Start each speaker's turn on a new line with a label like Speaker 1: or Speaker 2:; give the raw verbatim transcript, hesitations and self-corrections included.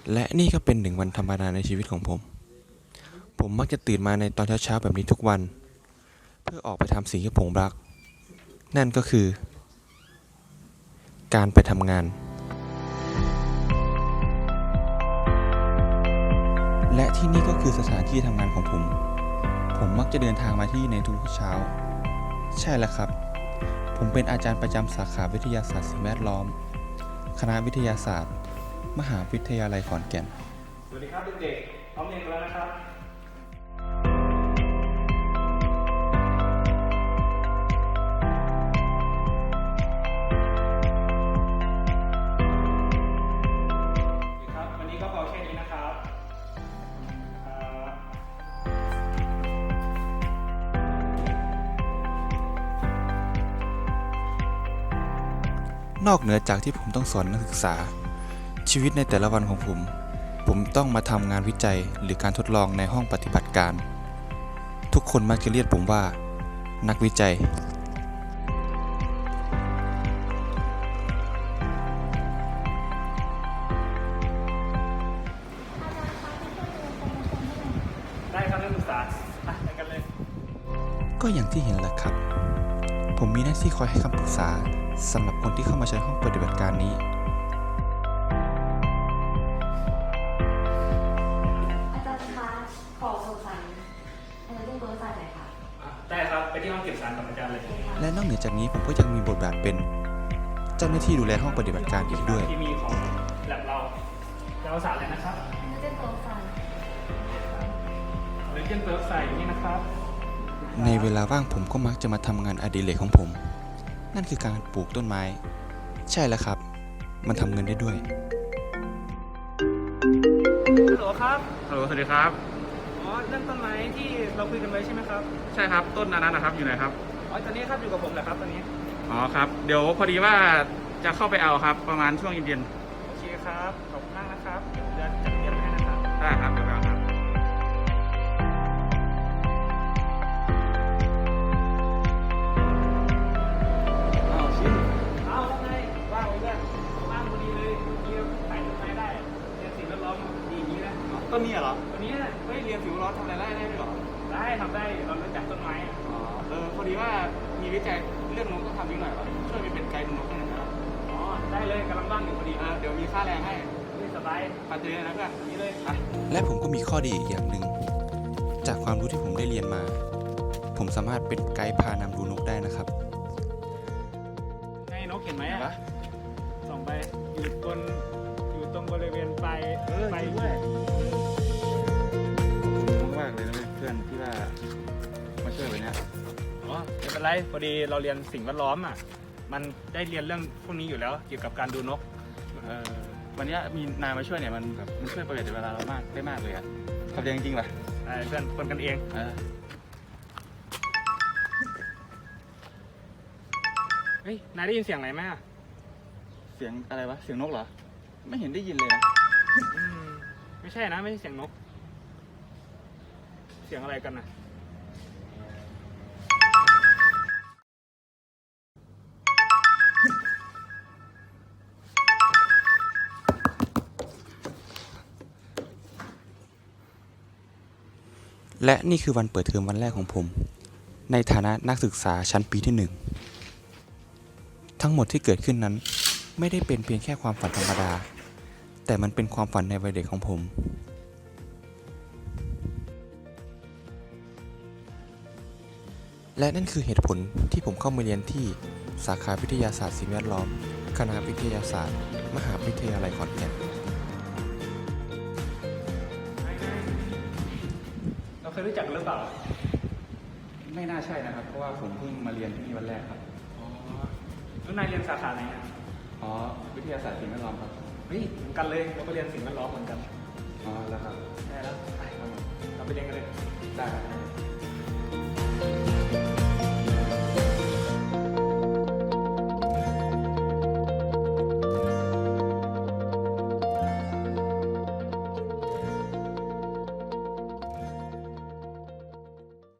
Speaker 1: และนี่ก็เป็นหนึ่งวันธรรมดาในชีวิตของผม ผมมักจะตื่นมาในตอนเช้าๆแบบนี้ทุกวัน เพื่อออกไปทำสิ่งที่ผมรัก นั่นก็คือ การไปทำงาน และที่นี่ก็คือสถานที่ทำงานของผม ผมมักจะเดินทางมาที่ในทุกเช้า ใช่แล้วครับ ผมเป็นอาจารย์ประจำสาขาวิทยาศาสตร์สิ่งแวดล้อม คณะวิทยาศาสตร์ มหาวิทยาลัยขอนแก่น
Speaker 2: สวัสดีครับเด็กๆพร้อมเรียนกันแล้วนะครับครับวันนี้ก็พอแค่นี้นะครับอ่
Speaker 1: านอกเหนือจากที่ผมต้องสอนนักศึกษา ชีวิตในแต่ละวันของผม ผมต้องมาทำงานวิจัยหรือการทดลองในห้องปฏิบัติการ ทุกคนมักจะเรียกผมว่า นักวิจัย
Speaker 2: ได้ครับนักศึกษาอ่ะไปกันเลย
Speaker 1: ก็อย่างที่เห็นแหละครับ ผมมีหน้าที่คอยให้คำปรึกษาสำหรับคนที่เข้ามาใช้ห้องปฏิบัติการนี้
Speaker 3: อาจารย์คะขอสงสัยอาจารย์เรียกเบอร์ไฟล์หน่อยค่ะ
Speaker 2: อ่ะได้ครับไปที่ห้องเก็บสารกับอาจารย์เลย
Speaker 1: และนอกเหนือจากนี้ผมก็ยังมีบทบาทเป็นเจ้าหน้าที่ดูแลห้องปฏิบัติการอีกด้วย
Speaker 2: ที่มีของแลบเราจะเอาสารอะไรนะครับ
Speaker 3: อาจารย์เรียกเบอร์ไฟล์
Speaker 2: เลเจนเปิร์ฟใส่อยู่นี่นะครับ
Speaker 1: ในเวลาว่างผมก็มักจะมาทำงานอดิเรกของผม นั่นคือการปลูกต้นไม้ ใช่แล้วครับ มันทำเงินได้ด้วย
Speaker 2: ฮัลโหลครับ
Speaker 4: ฮัลโหลสวัสดีครับ
Speaker 2: อ๋อเรื่องต้นไม้ที่เราคุยกันไว้ใช่ไหมครับ
Speaker 4: ใช่ครับต้นนั้นนะครับอยู่ไหนครับ
Speaker 2: อ๋อตอนนี้ครับอยู่กับผมแหละครับตอนนี้
Speaker 4: อ๋อครับเดี๋ยวพอดีว่าจะเข้าไปเอาครับประมาณช่วงเย็น
Speaker 2: โอเคครับขอบคุณมากนะครับเดี๋ยวจะจัดเตรียมให้นะครับ
Speaker 4: ๆได้ครับเดี๋ยวไปเอาครับ
Speaker 2: อ้าวชินอ้าวว่าไงว่างไว้ด้วยว่างพอดีเลยนี่ถ่ายต้นไม้ได้เรียนสิ่งแวดล้อมดีอย่างนี้นะ
Speaker 4: ต้นนี้เหรอ
Speaker 2: วันนี้นะเฮ้ยเรียนสิ่งแวดล้อมทำอะไรได้ได้ด้วยเหรอได้ทำได้เรารู้จักต้นไม้อะ
Speaker 4: อ๋อเออพอดีว่ามีวิจัยเรื่องนกต้องทำนิดหน่อยวะช่วยไปเป็นไกด์ดูนกให้หน่อยนะครับ
Speaker 2: อ๋อได้เลยกำลังว่างอยู่พอดี
Speaker 4: เออเดี๋ยวมีค่าแรงให้
Speaker 2: นี่สบาย
Speaker 4: ปัดเจอนะเพื่อน
Speaker 2: นี่เลย
Speaker 4: ไป
Speaker 1: และผมก็มีข้อดีอีกอย่างหนึ่ง จากความรู้ที่ผมได้เรียนมา ผมสามารถเป็นไกด์พานำดูนกได้นะครับ
Speaker 2: ไงนกเห็นไหมอะส่องไปอยู่บนอยู่ตรงบริเวณไฟไฟด้วย
Speaker 4: ขอบคุณมากๆเลยนะเพื่อนที่ว่ามาช่วยวันนี้
Speaker 2: อ๋อไม่เป็นไรพอดีเราเรียนสิ่งแวดล้อมอ่ะมันได้เรียนเรื่องพวกนี้อยู่แล้วเกี่ยวกับการดูนก
Speaker 4: เออวันนี้มีนายมาช่วยเนี่ยมันแบบมันช่วยประหยัดเวลาเรามากได้มากเลยอะขอบใจจริงๆป่ะ
Speaker 2: ไอ้เพื่อนคนกันเอง
Speaker 4: เออ
Speaker 2: เฮ้ยนายได้ยินเสียงอะไรไหมอะ
Speaker 4: เสียงอะไรวะเสียงนกเหรอไม่เห็นได้ยินเลยนะ
Speaker 2: อืมไม่ใช่นะไม่ใช่เสียงนก เสียงอะไรกันนะ
Speaker 1: และนี่คือวันเปิดเทอมวันแรกของผม ในฐานะนักศึกษาชั้นปีที่หนึ่ง ทั้งหมดที่เกิดขึ้นนั้น ไม่ได้เป็นเพียงแค่ความฝันธรรมดา แต่มันเป็นความฝันในวัยเด็กของผม และนั่นคือเหตุผลที่ผมเข้ามาเรียนที่สาขาวิทยาศาสตร์สิ่งแวดล้อม คณะวิทยาศาสตร์ มหาวิทยาลัยขอนแก่น
Speaker 2: เราเคยรู้จักกันหรือเปล่า
Speaker 4: ไม่น่าใช่นะครับ เพราะว่าผมเพิ่งมาเรียนที่นี่วันแรกครับ
Speaker 2: อ๋อแล้วนายเรียนสาขาไหนอะ
Speaker 4: อ๋อ วิทยาศาสตร์สิ่งแวดล้อมครับ
Speaker 2: เฮ้ยเหมือนกันเลยเราก็เรียนสิ่งแวดล้อมเหมือนกัน
Speaker 4: อ๋อ แล้วครับ
Speaker 2: ได้แล้วไปเราไปเรียนกันเลย
Speaker 4: ได้ครับ